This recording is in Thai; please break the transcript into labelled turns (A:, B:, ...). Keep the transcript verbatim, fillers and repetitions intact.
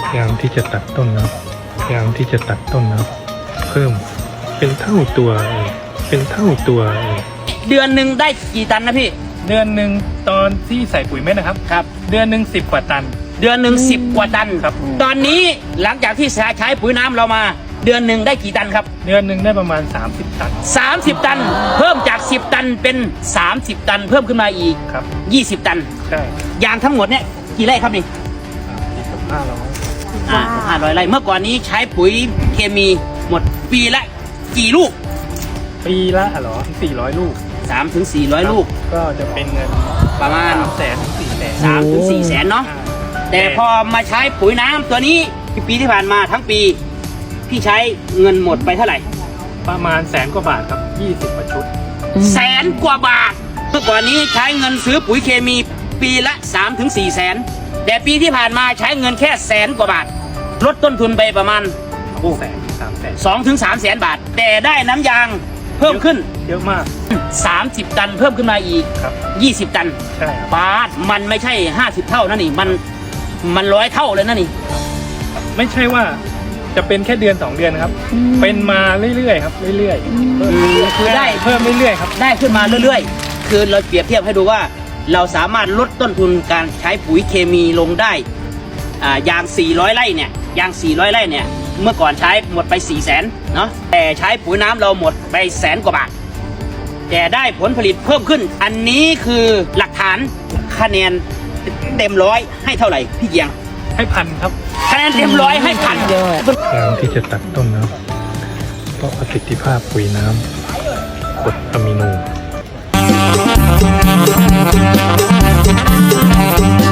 A: พยายามที่จะตัดต้นนะครับพยายามที่จะตัดต้นนะครับเพิ่มเป็นเท่าตัวเองเป็นเท่าตัวเอง
B: เดือนหนึ่งได้กี่ตันนะพี่
C: เดือนหนึ่งตอนที่ใส่ปุ๋ยเม็ดนะครับ
B: ครับ
C: เดือนหนึ่งสิบกว่าตัน
B: เดือนหนึ่งสิบกว่าตัน
C: ครับ
B: ตอนนี้หลังจากที่ใช้ปุ๋ยน้ำเรามา เดือนหนึ่งได้กี่ตันครับ
C: เดือนหนึ่งได้ประมาณสามสิบตัน
B: สามสิบตัน เพิ่มจากสิบตันเป็นสามสิบตัน เพิ่มขึ้นมาอีก
C: ครับ
B: ยี่สิบตัน
C: ใช่
B: ยางทั้งหมดเนี่ยกี่ไร่ครับนี่
C: ห้าร้อย
B: อ่าห้าร้อยไร่เมื่อก่อนนี้ใช้ปุ๋ยเคมีหมดปีละกี่ลูก
C: ปีละเหรอสี่ร้อยลูก
B: สามถึงสี่ร้อยลูก
C: ก็จะเป็นเงิน
B: ประมาณ
C: สามแสนถึงสี่แสน
B: สามถึงสี่แสนเนาะ แต่พอมาใช้ปุ๋ยน้ำตัวนี้ปีที่ผ่านมาทั้งปี พี่ใช้เงินหมดไปเท่าไหร่
C: ประมาณแสนกว่าบาทครับยี่สิบกว่าชุด
B: แสนกว่าบาทเมื่อก่อนนี้ใช้เงินซื้อปุ๋ยเคมีปีละ สามถึงสี่แสนแต่ปีที่ผ่านมาใช้เงินแค่แสนกว่าบาทลดต้นทุนไปประมาณ
C: แสนสามแสน
B: สองถึงสามแสนบาท แต่ได้น้ำยางเพิ่มขึ้น
C: เยอะมาก
B: สามสิบตันเพิ่มขึ้นมาอีก
C: ครับ
B: ยี่สิบตัน
C: ใช่ครับ
B: บาทมันไม่ใช่ห้าสิบเท่านั่นนี่มันมันร้อยเท่าเลยนั่นนี่
C: ไม่ใช่ว่าจะเป็นแค่เดือนสองเดือนนะครับ เป็นมาเรื่อยๆครับเรื่อยๆเพิ่ม
B: คือได้
C: เพิ่มเรื่อยๆครับ
B: ได้ขึ้นมาเรื่อยๆ คือเราเปรียบเทียบให้ดูว่า เราสามารถลดต้นทุนการใช้ปุ๋ยเคมีลงได้อ่ายางสี่ร้อยไร่เนี่ยยางสี่ร้อยไร่เนี่ยเมื่อก่อนใช้หมดไปสี่แสนเนาะแต่ใช้ปุ๋ยน้ำเราหมดไปแสนกว่าบาทแต่ได้ผลผลิตเพิ่มขึ้น อันนี้คือหลักฐานคะแนนเต็มร้อยให้เท่าไหร่พี่เกียง
C: ให้พันครับ
B: คะแนนเต็มร้อยให้พัน
A: พยายามที่จะตัดต้นนะครับเพราะประสิทธิภาพปุ๋ยน้ำกรดอะมิโน